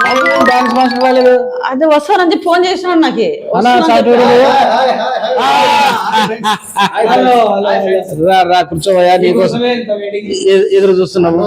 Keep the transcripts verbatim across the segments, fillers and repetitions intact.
Dance master రాలేదు. అదే వస్తానని చెప్పి ఫోన్ చేసినాడు నాకు. రా కూర్చోవయ్యా, నీకోసం ఎదురు చూస్తున్నాము.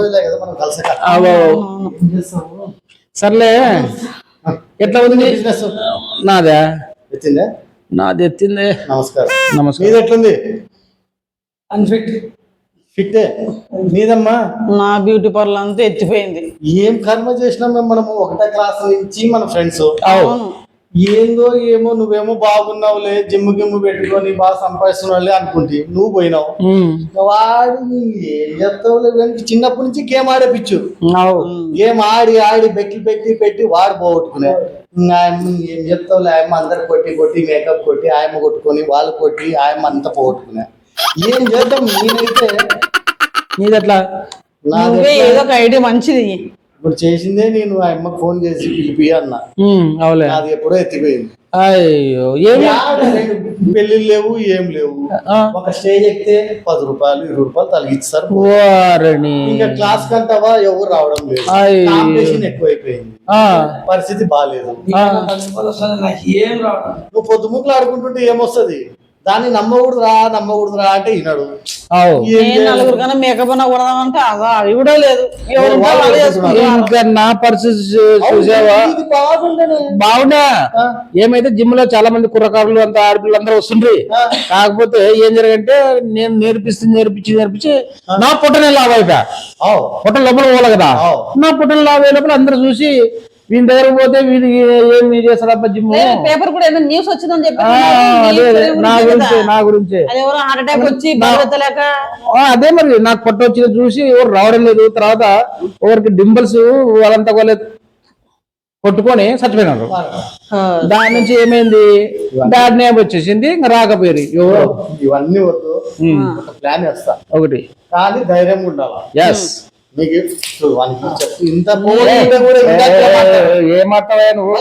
సర్లే, ఎట్లా ఉంది బిజినెస్? నాదా ఎత్తిందే, నాది ఎత్తిందే. నమస్కారం. నమస్కారం. ఎట్లుంది? అన్ఫిట్ ఫిట్ నీదమ్మా. నా బ్యూటీ పార్లర్ అంతా ఎత్తిపోయింది. ఏం కర్మ చేసినాం మేము, మనము ఒకటే క్లాస్ నుంచి మన ఫ్రెండ్స్. ఏందో ఏమో, నువ్వేమో బాగున్నావులే, జిమ్ గిమ్ము పెట్టుకొని బాగా సంపాదిస్తున్నావులే అనుకుంటే నువ్వు పోయినావు. వాడు ఏం చెప్తావులే, చిన్నప్పటి నుంచి గేమ్ ఆడేపిచ్చు. గేమ్ ఆడి ఆడి బెట్టి పెట్టి పెట్టి వాడు పోగొట్టుకునే. ఏం చెప్తావులే, ఆయమ్మ అందరు కొట్టి కొట్టి మేకప్ కొట్టి ఆయమ్మ కొట్టుకొని వాళ్ళు కొట్టి ఆయమ్మ అంతా పోగొట్టుకునే. ఏం చేద్దాం? నేనైతే నీదట్లా ఏదో ఒక ఐడియా మంచిది. ఇప్పుడు చేసిందే నేను ఆ అమ్మకి ఫోన్ చేసి పిలిపి అన్నా. అవులే, అది ఎప్పుడో ఎత్తిపోయింది. అయ్యో, పెళ్లి లేవు ఏం లేవు. ఒక స్టేజ్ ఎక్కితే పది రూపాయలు ఇరవై రూపాయలు తలిగిస్తారు. ఇంకా క్లాస్ కంటావా ఎవరు రావడం లేదు, కాంపిటీషన్ ఎక్కువైపోయింది, పరిస్థితి బాగాలేదు. నువ్వు పొద్దుముక్కులు ఆడుకుంటుంటే ఏమొస్తుంది? దాన్ని నమ్మకూడదు రా నమ్మకూడదు రా అంటే విన్నాడు. నలుగురు కన్నా మేకప్ కొడదామంటే అది కూడా లేదు. నా పరిస్థితి చూసావా? బాగుండా. ఏమైతే జిమ్ లో చాలా మంది కుర్రకారులు అంతా ఆడపిల్లలు అందరూ వస్తుండ్రి. కాకపోతే ఏం జరిగంటే నేను నేర్పిస్తుంది నేర్పించి నేర్పించి నా పుట్టనే లాభ అయిపోయా. పుట్ట లోపల పోలే కదా, నా పుట్టని లాభ అయ్యే లోపల అందరూ చూసి వీని దగ్గర పోతే వీడి ఏమి చేస్తాడబ్బా జిమ్. పేపర్ కూడా ఏదో న్యూస్ వచ్చిందని చెప్పి నా గురించి నా గురించి హార్ట్ అటాక్ వచ్చి అదే మరి నాకు పొట్ట వచ్చిన చూసి ఎవరు రావడం లేదు. తర్వాత ఎవరికి డింబల్స్ వాళ్ళంతా వాళ్ళే కొట్టుకొని చచ్చిపోయినారు. దాని నుంచి ఏమైంది, బ్యాడ్ నేమ్ వచ్చేసింది, ఇంకా రాకపోయారు. ఇవన్నీ వద్దు, ప్లాన్ వేస్తా ఒకటి, కానీ ధైర్యంగా ఉండాలి. ఎస్, ఇంత ఏమాటవా నువ్వు?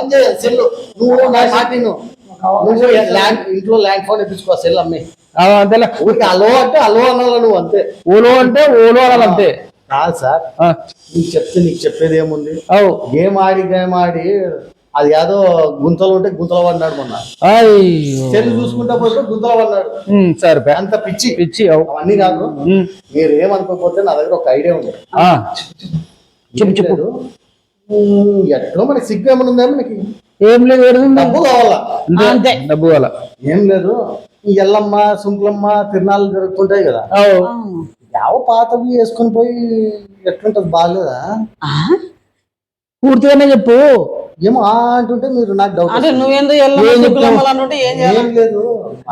ఇంట్లో ల్యాండ్ ఫోన్ ఇప్పించుకో, సెల్ అమ్మి. అంతేలే, ఊరికి అలో అంటే అలో అనాల నువ్వు, అంతే. ఓలో అంటే ఓలో అనాలి, అంతే. కాదు సార్, నీకు చెప్తే నీకు చెప్పేది ఏముంది? గేమ్ ఆడి గేమ్ ఆడి అది ఏదో గుంతలు ఉంటే గుంతలు పడినాడు మొన్న. సెల్ చూసుకుంటా పోతే గుంతలు పడినాడు. సరే, అంత పిచ్చి పిచ్చి అవన్నీ కాదు. మీరు ఏమనుకోకపోతే నా దగ్గర ఒక ఐడియా ఉంది. చెప్పు చెప్పు. ఎట్లా మనకి సిగ్గు ఏమైనా ఉందా? మనకి ఏం లేదు, డబ్బు కావాలా, అంతే. డబ్బు కావాలా, ఏం లేదు. ఈ ఎల్లమ్మ సుంకులమ్మ తిరునాళ్ళు జరుగుతుంటాయి కదా, యావ పాతవి వేసుకొని పోయి ఎట్లుంటది? బాగాలేదా? పూర్తిగానే చెప్పు. ఏమో అంటుంటే మీరు నాకు డౌట్. అంటే నువ్వేందో ఏం లేదు,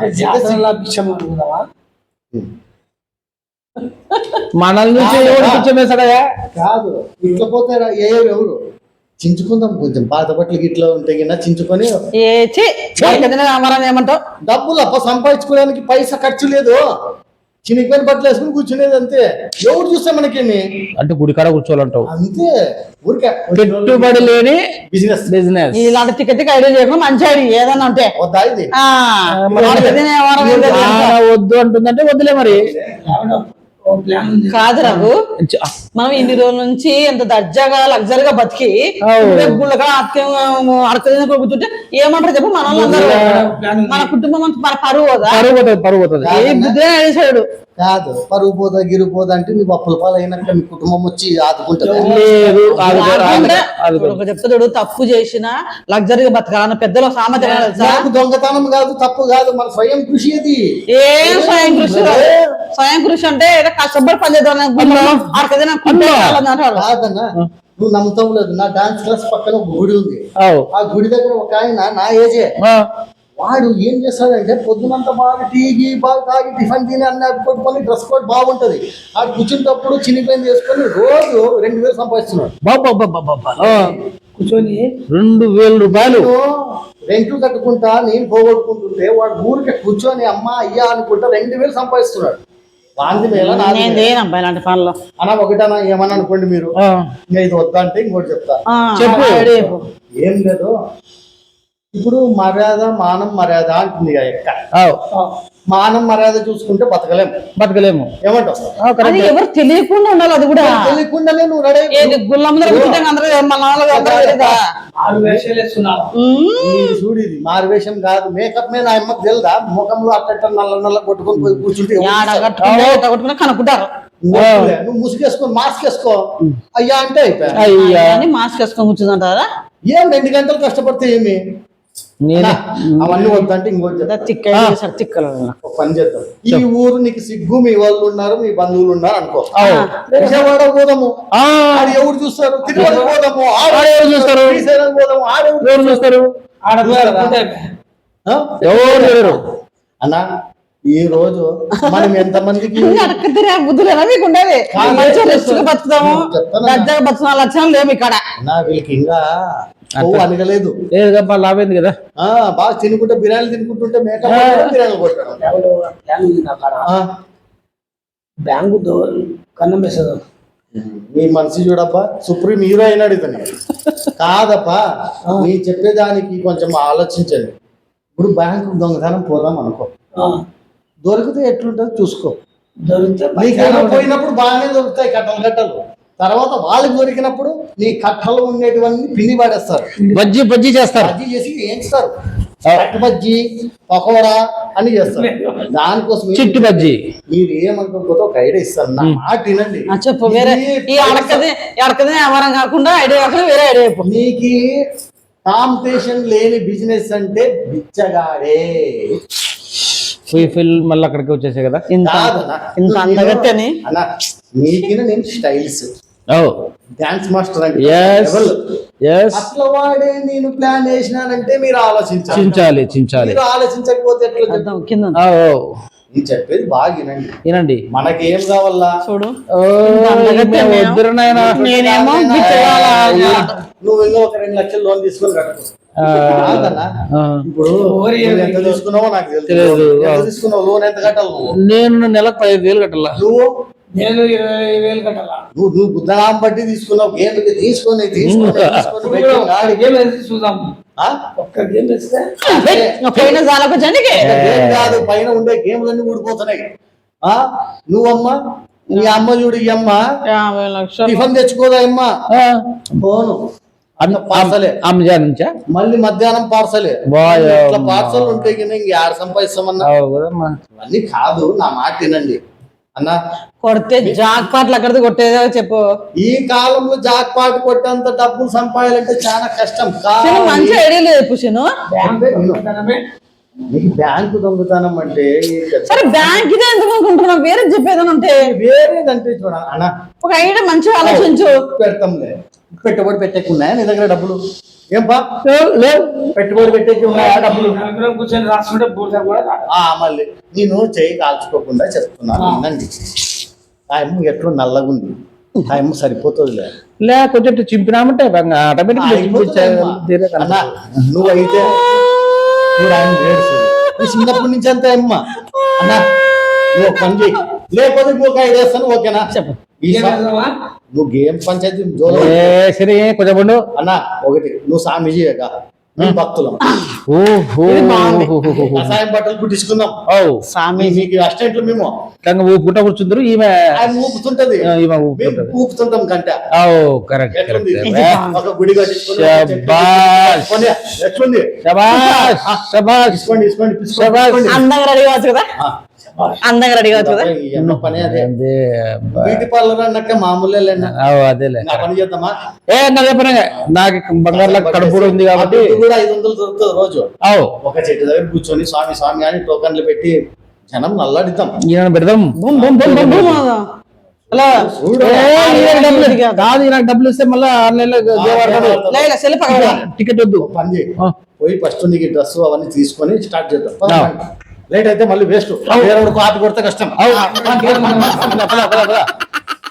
మనల్ని పిచ్చమేసాడయా? కాదు, ఇట్లా పోతారా ఏ ఎవరు చించుకుందాం. కొంచెం పాత బట్టలు ఇట్లా ఉంటే కింద చించుకొని ఏమంటావు? డబ్బులు అప్ప సంపాదించుకోవడానికి పైసా ఖర్చు లేదు. చినిగిపోయిన బట్టలు వేసుకుని కూర్చునేది, అంతే. ఎవరు చూస్తే మనకేమి అంటే గుడికాడ కూర్చోవాలంటావు, అంతే. ఊరికే పెట్టుబడి లేని బిజినెస్ బిజినెస్ ఇలాంటి తిక్క తిక్క ఐడియా చేయకుండా మంచి ఐడియా ఏదన్నా ఉంటే వద్దా? ఇది వద్దు అంటుందంటే వద్దులే మరి. కాదు రావు, మనం ఇన్ని రోజుల నుంచి ఎంత దర్జాగా లగ్జరీగా బతికి గుళ్ళగా అడక కూర్చుంటే ఏమంటారు చెప్పు? మన వాళ్ళందరూ మన కుటుంబం అంతా మన పరువు పోదా? పరువు పోతుంది, పరువు పోతుంది. ఏ బుద్ధి అడిసాడు. కాదు, పరువు పోదా గిరుగు పోదా అంటే మీ అప్పుల పాలు అయినాక మీ కుటుంబం వచ్చి ఆదుకుంటారు. చెప్తాడు, తప్పు చేసిన లగ్జరీగా బతకాలన్న పెద్దలో సామర్థ్యం. దొంగతనం కాదు, తప్పు కాదు, మన స్వయం కృషి. అది ఏం స్వయం కృషి? స్వయం కృషి అంటే కష్టపడి పనిచేద్దాం. నువ్వు నమ్ముతాం లేదు, నా డాన్స్ క్లాస్ పక్కన ఒక గుడి ఉంది. ఆ గుడి దగ్గర ఒక ఆయన నా ఏజే, వాడు ఏం చేస్తాడంటే పొద్దునంతా బాగా టీవీ బాగా తాగి టిఫిన్ తిని అన్న కొట్టుకొని డ్రెస్ కోడ్ బాగుంటది. ఆ కూర్చుంటప్పుడు చినిపోయింది వేసుకొని రోజు రెండు వేలు సంపాదిస్తున్నాడు. కూర్చొని రెండు వేల రూపాయలు రెంట్లు కట్టుకుంటా నేను పోగొట్టుకుంటుంటే వాడు ఊరికే కూర్చొని అమ్మ అయ్యా అనుకుంటా రెండు వేలు సంపాదిస్తున్నాడు. ఇలాంటి పనులు అన్నా ఒకటన్నా ఏమన్నా అనుకోండి మీరు, ఇంకా ఇది వద్దా అంటే ఇంకోటి చెప్తా. చెప్పు. ఏం లేదు, ఇప్పుడు మర్యాద మానం మర్యాద అంటుంది ఎక్క. మానం మర్యాద చూసుకుంటే బతకలేము బతకలేము. ఏమంటావు? అది ఎవరు తెలియకుండా ఉండాలి. అది కూడా తెలియకుండానే నువ్వు రెడీ ఏది గుళ్ళ ముందర కూర్చుంటే అందరూ మన వాళ్ళు అందరూ తెలీదా? చూడు, ఇది మారువేషం కాదు, మేకప్ మీద ఆ అమ్మకు తెలుదా? ముఖంలో అట్ట నల్ల నల్ల కొట్టుకొని పోయి కూర్చుంటే యాడ కట్టుకుంటే ఎట్ట కట్టుకున్నా కనుక్కుంటారు. నువ్వు ముసుగేసుకో, మాస్క్ వేసుకో అయ్యా అంటే అయిపోయా. అయ్యా అని మాస్క్ వేసుకొని కూర్చుంటారా? ఏం రెండు గంటలు కష్టపడితే ఏమి? నేనే అవన్నీ వద్దంటే ఇంకోటి తిక్క తిక్కలు ఒక పని చేద్దాం. ఈ ఊరు నీకు సిగ్గు, మీ వాళ్ళు ఉన్నారు, మీ బంధువులు ఉన్నారు అనుకో, విజయవాడ పోదాము, ఆడ ఎవరు చూస్తారు? తిరుపతి పోదాము, ఎవరు చూస్తారు? శ్రీశైలం పోదాము, ఆడెవరు చూస్తారు? ఎవరు అన్నా ఈ రోజు మనం ఎంత మందికి అడక్కతిరా బుద్ధులు ఎలా మీకు ఉండేది? మంచిగా రెస్ట్గా బతుకుతాము, దర్జాగా బతుకున్న లక్షణాలు లేవు ఇక్కడ. నా వీళ్ళకి ఇంకా కొవ్వు అనగలేదు. లేదు లాభైంది కదా. ఆ బాగా తినుకుంటే బిర్యానీ తినుకుంటుంటే మేకప్ బిర్యానీ కొట్టాడు. బ్యాంకు కన్నం వేసేది మీ మనిషి చూడబ్బా, సుప్రీం హీరో అయినాడు ఇతను. కాదప్పా, నీ చెప్పేదానికి కొంచెం ఆలోచించండి. ఇప్పుడు బ్యాంకు దొంగతనం పోదాం అనుకో, దొరికితే ఎట్లుంటుంది చూసుకో. దొరికితే నీకేమో పోయినప్పుడు బాగానే దొరుకుతాయి కట్టలు కట్టలు, తర్వాత వాళ్ళకి దొరికినప్పుడు నీ కట్టలు ఉండేటివన్నీ పిండి పడేస్తారు, బజ్జీ బజ్జీ చేస్తారు, బజ్జీ చేసి ఏంచుతారు. కట్టు బజ్జీ, పకోడా అని చేస్తారు. దానికోసం చిట్టు బజ్జీ మీరు ఏమనుకోకపోతే ఒక ఐడియా ఇస్తాను, నా మాట వినండి. చెప్పు. వేరే ఈ అడకది అడకది వ్యాపారం కాకుండా ఐడియా కాకుండా వేరే ఐడియా చెప్పు. నీకు కాంపిటీషన్ లేని బిజినెస్ అంటే బిచ్చగాడే. ఫుల్ మళ్ళీ అక్కడికి వచ్చేసే కదా. ఇంత ఇంత అందగత్తని అన్నా, నీకిన నేను స్టైల్స్ డాన్స్ మాస్టర్ అంటే అట్లా వాడే నేను ప్లాన్ చేసినానంటే మీరు ఆలోచించాలి. చించాలి చించాలి మీరు ఆలోచించకపోతే ఎట్లా? కింద నేను చెప్పేది బాగా వినండి వినండి. మనకి ఏం కావాలా చూడు, నేనేమో నువ్వు ఇంకా ఒక రెండు లక్షలు లోన్ తీసుకొని కట్టుకో. ఇప్పుడు ఎంత తీసుకున్నావో నాకు తెలియదు. ఎంత తీసుకున్నావు లోన్, ఎంత కట్టాలి నువ్వు? నేను నెలకు పదిహేను వేలు కట్టాలా. నువ్వు నేను ఇరవై వేలు కట్టాలా. నువ్వు నువ్వు బుద్ధనాం బట్టి తీసుకున్నావు. గేమ్ తీసుకొని తీసుకొని తీసుకొని చూద్దాం. ఒక్క గేమ్ వేస్తే పైన జాలకు జనికి కాదు, పైన ఉండే గేమ్లన్నీ ఊడిపోతున్నాయి. ఆ నువ్వమ్మా, నీ అమ్మ చూడు, ఈ అమ్మ యాభై లక్షలు టిఫిన్ తెచ్చుకోదా అమ్మ, పోను పార్సలే అమ్మజా నుంచా, మళ్ళీ మధ్యాహ్నం పార్సలే. పార్సల్ ఉంటే కింద ఇంక ఆడ సంపాదిస్తామన్నా. అన్నీ కాదు, నా మాట తినండి అన్నా. కొడితే జాక్ పాటలు అక్కడిది కొట్టేదో చెప్పు. ఈ కాలంలో జాక్ పాట కొట్టేంత డబ్బులు సంపాదాలంటే చాలా కష్టం. మంచి ఐడియా లేదు పుషను. నీకు బ్యాంకు దొంగతనం అంటే సరే, బ్యాంక్ ఇదే ఎందుకు అనుకుంటున్నావు? వేరే చెప్పేదని ఉంటే వేరేదంటే చూడ అన్న, ఒక ఐడియా మంచిగా ఆలోచించు. పెడతాంలే. పెట్టుబడి పెట్టేకున్నాయా నీ దగ్గర డబ్బులు? ఏం బా పెట్టుబడి పెట్టేకి ఉన్నాయా డబ్బులు? కూర్చొని రాసుకుంటే బూడిద కూడా రాదు. మళ్ళీ నేను చేయి కాల్చుకోకుండా చెప్తున్నాను వినండి. ఆ అమ్మ ఎట్లా నల్లగుంది, ఆ అమ్మ సరిపోతుందిలే. లే కొంచెం చింపినామంటే ఆటోమేటిక్ నువ్వైతే నువ్వు ఆయన నీ చిన్నప్పటి నుంచి అంతే అమ్మ. అన్నా నువ్వు పని చేయి, లేకపోతే ఇంకొక ఐడియా వేస్తాను. ఓకేనా? చెప్పు. నువ్వు గేమ్ పంచాయతీ సరే కొంచెం అన్నా. ఒకటి, నువ్వు స్వామీజీ భక్తులం కషాయం బట్టలు కుట్టించుకుందాం. స్వామీజీకి అసిస్టెంట్లు మేము ఊపుకుంటా కూర్చుందరు. ఈమె ఆయన ఊపుతుంటది, ఊపుతుంటాం కంట. కరెక్ట్. ఒక గుడి కట్టించుకుని ఎట్లుంది? అందంగా రెడీ కావచ్చు కదా, అందంగా రెడీ కావచ్చు కదా. పని అదే, బ్యూటీ పార్లర్ అన్నట్టే మామూలే. అదేలే పని చేద్దామా? ఏ నాదే పని, నాకు బంగారు కడుపు ఉంది కాబట్టి కూడా ఐదు వందలు దొరుకుతుంది రోజు. ఒక చెట్టు దగ్గర కూర్చొని స్వామి స్వామి అని టోకన్లు పెట్టి జనం నల్లాడిద్దాం. పెడదాం. కాదు, నాకు డబ్బులు ఇస్తే మళ్ళీ ఆన్లైన్ లో టికెట్ వద్దు. పని చేయి, పోయి ఫస్ట్ నీకు డ్రెస్ అవన్నీ తీసుకొని స్టార్ట్ చేద్దాం. లేట్ అయితే మళ్ళీ వేస్ట్, కాపీ కొడితే కష్టం.